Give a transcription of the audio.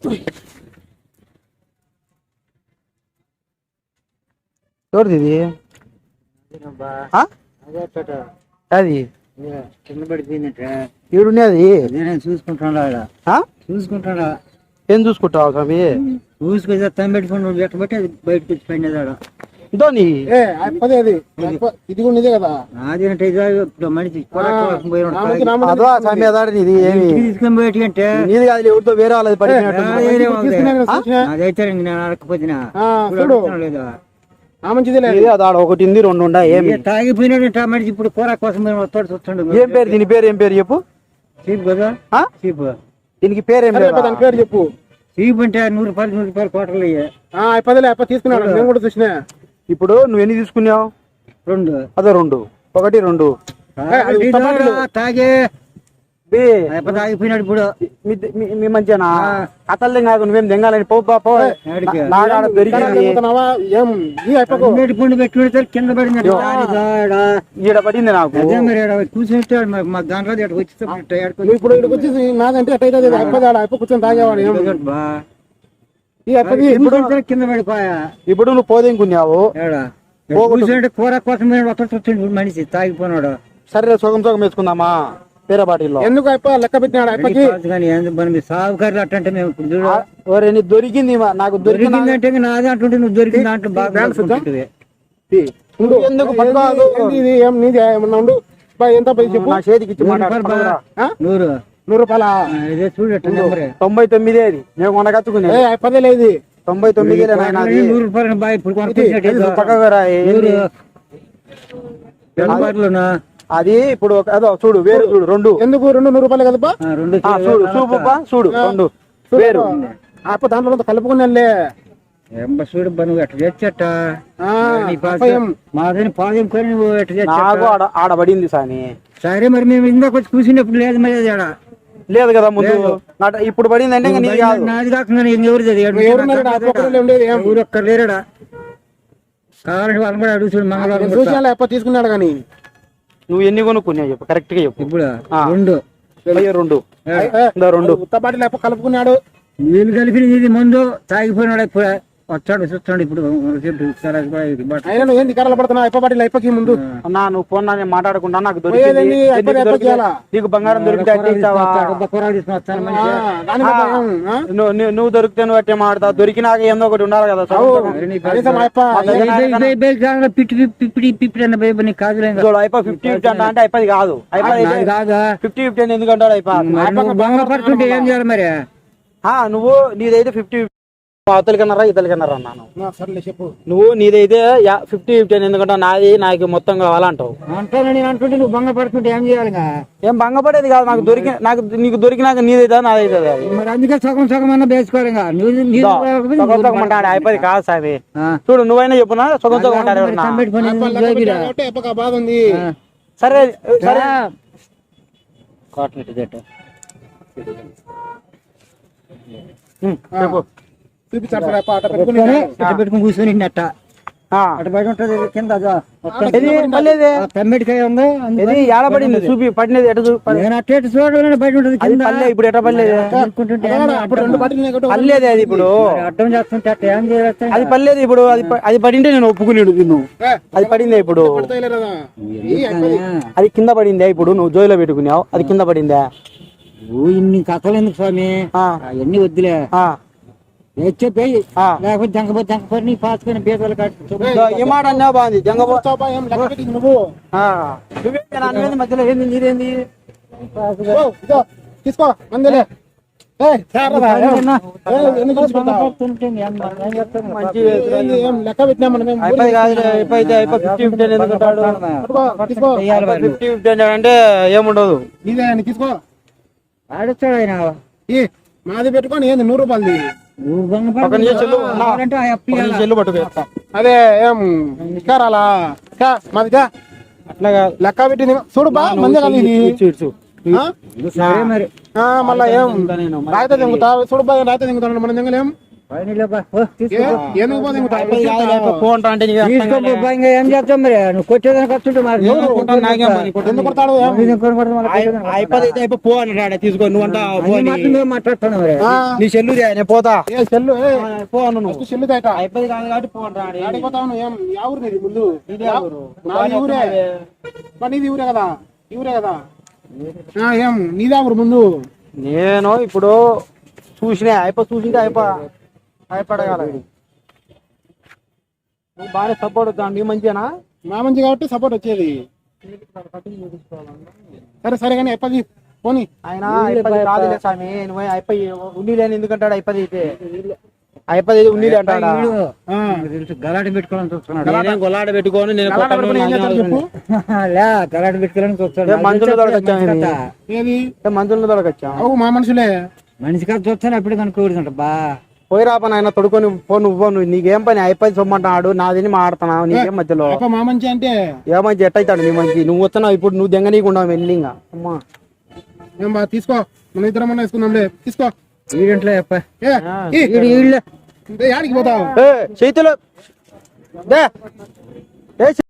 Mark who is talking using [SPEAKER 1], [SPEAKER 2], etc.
[SPEAKER 1] ఎవరిది ఇది? అది
[SPEAKER 2] కింద పడిపోయిందట.
[SPEAKER 1] ఈడున్నది
[SPEAKER 2] నేను చూసుకుంటాడా చూసుకుంటాడా?
[SPEAKER 1] ఏం చూసుకుంటావు స్వామి?
[SPEAKER 2] చూసుకొని తమ్మి పెట్టుకుని ఎట్ట బట్టి అది బయటకు వచ్చి పడినదాడా.
[SPEAKER 1] ధోని
[SPEAKER 3] ఇది కూడా ఇదే కదా.
[SPEAKER 2] నాదేంటే మనిషి
[SPEAKER 1] అదో స్వామి అదాడి ఇది ఏమి
[SPEAKER 2] తీసుకొని బయట అంటే
[SPEAKER 1] నీది కాదు, ఎవరితో వేరే వాళ్ళది పడిపోయినట్టు.
[SPEAKER 2] అదైతే నేను అడగకపోతున్నా లేదా
[SPEAKER 1] అదాడ ఒకటి ఉంది, రెండు ఉండా. ఏమి
[SPEAKER 2] తాగిపోయినాడంట మనిషి. ఇప్పుడు కూర కోసం చూస్తుండే.
[SPEAKER 1] ఏం పేరు దీని పేరు? ఏం పేరు చెప్పు.
[SPEAKER 2] చీప్ కదా చీప్.
[SPEAKER 1] దీనికి పేరు ఏం లేదు,
[SPEAKER 3] దాని పేరు చెప్పు.
[SPEAKER 2] చీప్ అంటే 100 రూపాయలు కోటలు
[SPEAKER 3] అయ్యా తీసుకున్నాడు. నేను కూడా చూసినా.
[SPEAKER 1] ఇప్పుడు నువ్వు ఎన్ని తీసుకున్నావు?
[SPEAKER 2] 2.
[SPEAKER 1] అదే 2, 1, 2
[SPEAKER 2] తాగే తాగిపోయినాడు. ఇప్పుడు
[SPEAKER 1] మీ మంచినా కథలు కాదు, నువ్వేం దెంగాలని పో
[SPEAKER 2] పెట్టి కింద పడింది.
[SPEAKER 1] ఈడ పడింది నాకు.
[SPEAKER 2] చూసినట్టు మా దాంట్లో
[SPEAKER 3] ఇప్పుడు ఇక్కడికి వచ్చేసి నాదంటే ఎట్టయితే అయిపో కూర్చొని తాగేవాడు.
[SPEAKER 2] కింద పడిపోయా.
[SPEAKER 1] ఇప్పుడు నువ్వు పోదేంకున్నావు.
[SPEAKER 2] కూర్చుంటే కూర కోసం మనిషి తాగిపోయినాడు.
[SPEAKER 1] సరే సగం సగం వేసుకుందామా వేరే బాటిల్లో?
[SPEAKER 3] ఎందుకు లెక్క పెట్టినాడు
[SPEAKER 2] సాగుకారులు అట్టంటే మేము
[SPEAKER 1] దొరికింది నాకు.
[SPEAKER 2] దొరికిందంటే నాది అంటుంటే నువ్వు దొరికింది దాంట్లో బాగా
[SPEAKER 1] ఎందుకు
[SPEAKER 3] ఎంత చెప్పు.
[SPEAKER 1] నా చేతికి ఇచ్చి
[SPEAKER 2] 100 రూపాయల చూడట
[SPEAKER 1] 99 అది నేను మొన్న కచ్చుకునే.
[SPEAKER 3] లేదు
[SPEAKER 1] 99
[SPEAKER 2] 100 రూపాయలు బాయ్. ఇప్పుడు
[SPEAKER 1] అది ఇప్పుడు అదో చూడు వేరు చూడు. 2
[SPEAKER 3] ఎందుకు 200 రూపాయలు కదపా?
[SPEAKER 1] చూడు చూడు 2 వేరు.
[SPEAKER 3] దాంట్లో కలుపుకునే
[SPEAKER 2] చూడు నువ్వు ఎట్లా తెచ్చట మాదని పాదం కొని నువ్వు ఎట్లా
[SPEAKER 1] ఆడబడింది సాని.
[SPEAKER 2] సరే మరి మేము ఇందాక వచ్చి కూర్చున్నప్పుడు లేదు మరి ఆడ
[SPEAKER 1] లేదు కదా ముందు. ఇప్పుడు పడింది అంటే
[SPEAKER 2] నాది కాకుండా ఎవరు ఒక్క లేరాడా కావాలంటే వాళ్ళని కూడా అడుగు చూడు. మంగళవారం
[SPEAKER 3] తీసుకున్నాడు కానీ
[SPEAKER 1] నువ్వు ఎన్ని కొనుక్కున్నావు చెప్పు, కరెక్ట్ గా చెప్పు.
[SPEAKER 2] ఇప్పుడు
[SPEAKER 1] 2
[SPEAKER 3] ఉత్తపాటి కలుపుకున్నాడు.
[SPEAKER 2] వీళ్ళు కలిపి ముందు తాగిపోయినాడు. వచ్చాడు చూస్తాడు. ఇప్పుడు
[SPEAKER 3] ఏంది కర్రలు పడుతున్నా అయిపోయి అయిపోయి ముందు
[SPEAKER 1] నువ్వు ఫోన్ మాట్లాడకుండా నాకు దొరికింది. నీకు బంగారం దొరికితే నువ్వు దొరికితే నువ్వు అట్టే మాడతావు. దొరికినాక ఏందో ఒకటి ఉండాలి కదా. అయిపోయి 50-50 అంటే అయిపోయి కాదు. 50-50 ఎందుకంటాడు
[SPEAKER 2] పడుతుంటే ఏం చేయాలి మరి?
[SPEAKER 1] నువ్వు నీదైతే 50 అవతలికన్నారా ఇతలికన్నారా అన్నాను.
[SPEAKER 3] చెప్పు
[SPEAKER 1] నువ్వు నీదైతే 50-50 ఎందుకంటే నాది నాకు మొత్తం కావాలంటావు.
[SPEAKER 2] నేను అంటుంటే నువ్వు భంగపడుతుంటే ఏం చేయాలి?
[SPEAKER 1] ఏం భంగపడేది కాదు. నాకు నీకు దొరికినాక నీదైతే నాదైతే
[SPEAKER 2] మరి అందుకే సగం సగం అన్న వేసుకోవాలి.
[SPEAKER 1] అయిపోయి కాదు సామి. చూడు నువ్వైనా చెప్పునా సగం సగం ఉంటారు. సరే సరే
[SPEAKER 2] పెట్టుకుని కూర్చొని అట్ట అటు బయట ఉంటది కింద పెమ్మడికాయ ఉంది.
[SPEAKER 1] ఏడబడింది చూపి పడినది
[SPEAKER 2] అట్ట చూడండి బయట ఉంటది కింద.
[SPEAKER 1] ఇప్పుడు ఎట్ట పడలేదు పర్లేదు. అది ఇప్పుడు
[SPEAKER 2] అర్థం చేస్తుంటే అట్ట ఏం చేయాలి?
[SPEAKER 1] అది పర్లేదు. ఇప్పుడు అది పడింటే నేను ఒప్పుకునేడు. నువ్వు అది పడిందే ఇప్పుడు. అది కింద పడిందే. ఇప్పుడు నువ్వు జోయిలో పెట్టుకున్నావు, అది కింద పడిందా?
[SPEAKER 2] ఇన్ని కథలు ఎందుకు స్వామి? అవన్నీ వద్దులే. చెప్పి లేకపోతే జంకపోతే నీ పాసుకొని బీదలు
[SPEAKER 1] ఏ మాట అన్నా బాగుంది.
[SPEAKER 3] నువ్వు
[SPEAKER 1] మధ్యలో ఏంది నీదేంది?
[SPEAKER 3] తీసుకో మందిలే. లెక్క పెట్టినా మనం
[SPEAKER 1] అంటే ఏముండదు.
[SPEAKER 3] తీసుకో
[SPEAKER 2] ఆడొచ్చాడు ఆయన.
[SPEAKER 3] మాది పెట్టుకొని ఏంది 100 రూపాయలది. అదే ఏం ఇస్తారాలా మాదిగా అట్లాగా లెక్క పెట్టింది. చూడు బా మంది మళ్ళా ఏం రాయితే దింగుతా. చూడు బా రాయితే దింగుతాను మనం దింగలేం. ఏనుగు పోతే ఇంకా
[SPEAKER 1] అయిపోయి కాదు, లేకపోతే పో అంటా అంటే నీకు అర్థం కాలే.
[SPEAKER 2] ఇంకా ఏం చేస్తాం మరి నువ్వు కొట్టేదానికి వస్తుంటే మరి
[SPEAKER 1] నాకేం పని?
[SPEAKER 3] ఎందుకు కొడతాడు
[SPEAKER 1] అయిపోతే అయితే అయిపోయి పో అని రాడే తీసుకో నువ్వంతా పో అని.
[SPEAKER 2] మాట్లాడుతున్నావు మరి
[SPEAKER 1] నీ చెల్లు నేను పోతా
[SPEAKER 3] ఏ సెల్లు
[SPEAKER 1] పో అను నువ్వు.
[SPEAKER 3] ఫస్ట్ సెల్లు తేట
[SPEAKER 1] అయిపోయి కాదు కాబట్టి పో అని రాడే.
[SPEAKER 3] ఆడిపోతావు నువ్వు ఏం యా ఊరు నీది ముందు
[SPEAKER 1] ఇదే ఊరు.
[SPEAKER 3] నాది ఊరే మరి నీది ఊరే కదా ఈ ఊరే కదా ఏం నీదా ఊరు ముందు
[SPEAKER 1] నేను ఇప్పుడు చూసినా చూసింటే అయిపడగల నువ్వు బాగానే సపోర్ట్ అవుతాను నీ మంచిగా
[SPEAKER 3] మా మంచి కాబట్టి సపోర్ట్ వచ్చేది సరే కానీ అయిపోయి పోనీ
[SPEAKER 1] ఆయన అయిపోయి కాదులే స్వామి నువ్వు అయిపోయి ఉండి లేని ఎందుకంటాడు అయిపోయి అయిపోయి ఉండి అంటాడా
[SPEAKER 2] గలాట పెట్టుకోవాలని చూస్తున్నాడు
[SPEAKER 1] నేనేం గొల్లాడ పెట్టుకొని నేను కొట్టను,
[SPEAKER 3] ఏం చేస్తాడు చెప్పు
[SPEAKER 2] లే గలాట పెట్టుకోవాలని చూస్తాడు
[SPEAKER 1] మంచుల దొరకొచ్చాము
[SPEAKER 3] ఏది
[SPEAKER 1] మంచుల దొరకొచ్చాము
[SPEAKER 3] అవు మా మనుషులే
[SPEAKER 2] మనిషి కాదు చూస్తాను అప్పుడు కనుక్కోడుతుంట బా
[SPEAKER 1] పోయి రాప నాయన తొడుకొని పో నువ్వు నీకేం పని అయిపోయి సొమ్మంటాడు నాదిని మాడుతున్నావు నీకేం మధ్యలో
[SPEAKER 3] అప్ప మా మంచి అంటే
[SPEAKER 1] ఏ మంచి ఎట్టయితాడు నీ మంచి నువ్వు వస్తున్నావు ఇప్పుడు నువ్వు దెంగ నీకుండా వెళ్ళి ఇంకా అమ్మా
[SPEAKER 3] ఏం బా తీసుకో మన ఇద్దరం అన్న వేసుకుందాంలే తీసుకో
[SPEAKER 2] వీడింట్లో
[SPEAKER 3] యాడికి పోతావు
[SPEAKER 1] చేతులు